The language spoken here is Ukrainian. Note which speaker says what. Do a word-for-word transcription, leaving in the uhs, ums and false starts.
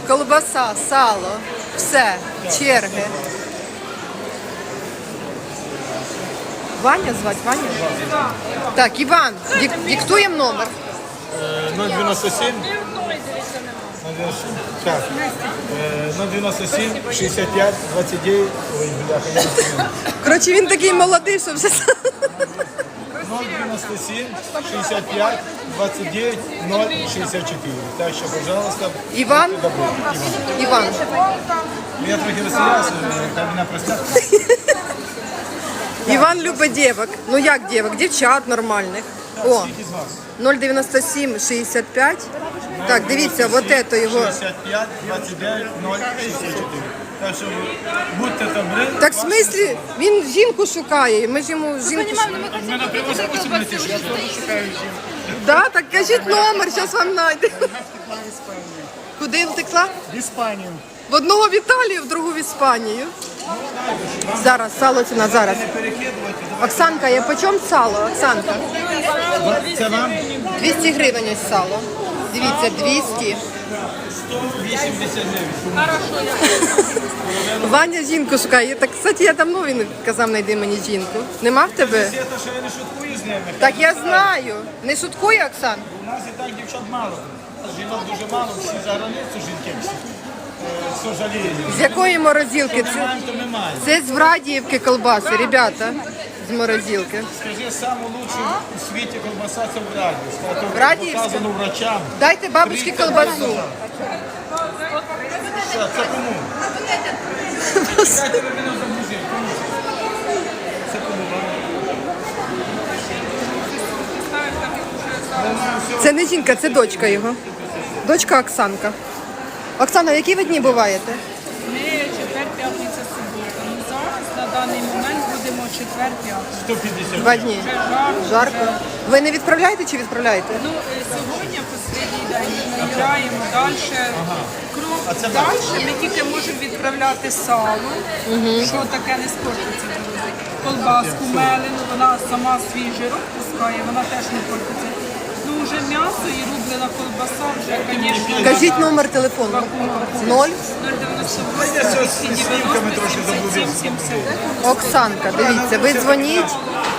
Speaker 1: колбаса, сало, все, черги. Ваня звать, Ваня? Так, Іван, дик, диктуємо номер.
Speaker 2: ноль дев'яносто сім. Так. ноль дев'яносто сім, шістдесят п'ять, двадцять дев'ять. Ой, бляха, я не знаю.
Speaker 1: Коротше, він такий молодий, що все.
Speaker 2: ноль дев'яносто сім, шістдесят п'ять, двадцять дев'ять, ноль шістдесят чотири. Так що, пожалуйста.
Speaker 1: Іван?
Speaker 2: Добре.
Speaker 1: Іван.
Speaker 2: Іван. Я трохи розстрілявся, хай мене простять.
Speaker 1: Іван любить дівок. Ну як дівок? Дівчат нормальних. О,
Speaker 2: Скільки з вас?
Speaker 1: ноль дев'яносто сім, шістдесят п'ять. Так, дивіться, вот это його.
Speaker 2: шістдесят п'ять, двадцять дев'ять, ноль шістдесят чотири. Так що будьте добрі.
Speaker 1: Так в смислі, він жінку шукає, ми ж йому жінку шукаємо.
Speaker 2: Мене привозять посібниці, що я теж шукаю жінку.
Speaker 1: Да, так кажіть номер, зараз вам знайдемо. Куди втекла?
Speaker 2: В Іспанію.
Speaker 1: В одного в Італію, в другу в Іспанію. Зараз, сало ціна, зараз. Оксанка, я по чому сало, Оксанка?
Speaker 2: Це вам?
Speaker 1: двісті гривень ось сало. Дивіться, двісті.
Speaker 2: сто вісімдесят дев'ять.
Speaker 1: Ваня жінку шукає. Так, кстати, я давно він казав, знайди мені жінку. Нема в тебе?
Speaker 2: Це те, що я не шуткую з ними.
Speaker 1: Так я знаю. Не шуткує, Оксан?
Speaker 2: У нас і так дівчат мало. Жінок дуже мало, всі за границю жінки всі. Е, К сожалению.
Speaker 1: З якої морозилки?
Speaker 2: Ми
Speaker 1: Це,
Speaker 2: маємо, то ми маємо.
Speaker 1: це з Врадіївки колбаси, ребята. З морозилки.
Speaker 2: Скажи, саму лучшу у світі колбаса це в Радіївська.
Speaker 1: В Радіївська?
Speaker 2: Показано врачам.
Speaker 1: Дайте бабушці колбасу.
Speaker 2: Що, це кому? Дайте ви мене загрузити. Кому? Це кому?
Speaker 1: Це не жінка, це дочка його. Дочка Оксанка. Оксана, в які ви дні буваєте?
Speaker 3: Ми четвер, п'ятниця, субота. Ну, зараз на даний момент будемо четвер, п'ятниця.
Speaker 2: сто п'ятдесят.
Speaker 1: Два дні.
Speaker 3: Вже жарко.
Speaker 1: Жарко. Ви не відправляєте чи відправляєте?
Speaker 3: Ну, е, сьогодні останній день ми набираємо далі. Кров.
Speaker 2: А це
Speaker 3: Далі ми тільки можемо відправляти сало, що таке не спортиться. друзі. Колбаску мелену, вона сама свій жирок пускає, вона теж не портиться. Ну, вже м'ясо і рублена колбаса, вже, звісно,
Speaker 1: Кажіть номер телефону. Ноль.
Speaker 3: нуль дев'яносто
Speaker 2: Я
Speaker 3: вісім,
Speaker 2: з снімками трошки
Speaker 3: сімдесят сім,
Speaker 2: заблудився.
Speaker 3: сімдесят.
Speaker 1: Оксанка, дивіться, ви дзвоніть,